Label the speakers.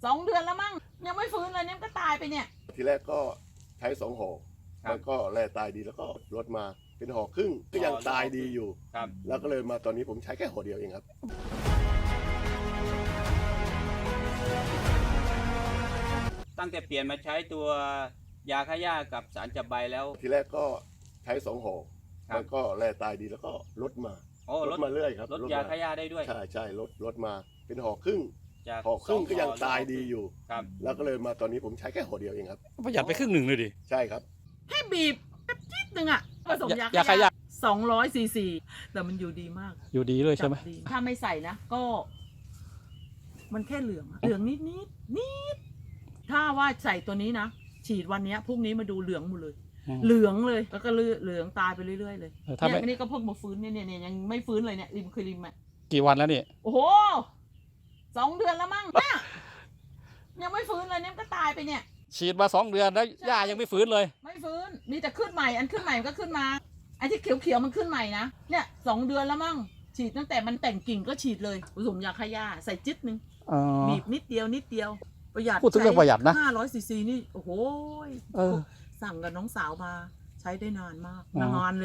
Speaker 1: 2 เดือนแล้วมั้งยังไม่ฟื้นเลยเนี่ยก็ตายไปเนี่ย
Speaker 2: ทีแรกก็ใช้2 ห่อแล้วก็แร่ตายดีแล้วก็ลดมาเป็นห่อครึ่งก็ยังตายดีอยู่แล้วก็เลยมาตอนนี้ผมใช้แค่ห่อเดียวเองครับ
Speaker 3: ตั้งแต่เปลี่ยนมาใช้ตัวยาฆ่าหญ้ากับสารจับใบแล้ว
Speaker 2: ทีแรกก็ใช้2 ห่อแล้วก็แร่ตายดีแล้วก็ลดมาลดมาเรื่อยครับ
Speaker 3: ลดยาฆ่าหญ้าได้ด้วย
Speaker 2: ใช่ลดมาเป็นห่อครึ่งก็ยังตายดีอยู่แล้วก็เลยมาตอนนี้ผมใช้แค่ห่อเดียวเองครับ
Speaker 4: ประหยัดไปครึ่งหนึ่งเลยดิ
Speaker 2: ใช่ครับ
Speaker 1: แค่บีบแป๊บนิดนึงอ่ะผสมยา
Speaker 4: ฆ่าหญ้า
Speaker 1: 200 cc แต่มันอยู่ดีมาก
Speaker 4: อยู่ดีเลยใช่ไหม
Speaker 1: ถ้าไม่ใส่นะก็มันแค่เหลืองนิดถ้าว่าใส่ตัวนี้นะฉีดวันนี้พรุ่งนี้มาดูเหลืองหมดเลยเหลืองเลยแล้วก็เหลืองตายไปเรื่อยๆเลยเนี่ยอันนี้ก็เพิ่งมาฟื้นเนี่ยยังไม่ฟื้นเลยเนี่ยริมอ่ะ
Speaker 4: กี่วันแล้วนี่
Speaker 1: โอ้โห2 เดือนแล้วมั้งเนี่ยยังไม่ฟื้นเลยเนี่ยก็ตายไปเนี่ย
Speaker 4: ฉีดมา2 เดือนแล้วหญ้ายังไม่ฟื้นเลย
Speaker 1: ไม่ฟื้นมีแต่ขึ้นใหม่ขึ้นใหม่ก็ขึ้นมาไอ้ที่เขียวมันขึ้นใหม่นะเนี่ย2 เดือนแล้วมั้งฉีดตั้งแต่มันแต่งกิ่งก็ฉีดเลยผสมยาฆ่าหญ้าใส่จิ๊ดนึงบีบนิดเดียวประหยัด
Speaker 4: พูดถึงเรื่องประหยัดนะ
Speaker 1: 500 ccนี่โอ้โหสั่งกับน้องสาวมาใช้ได้นานมากนานเลย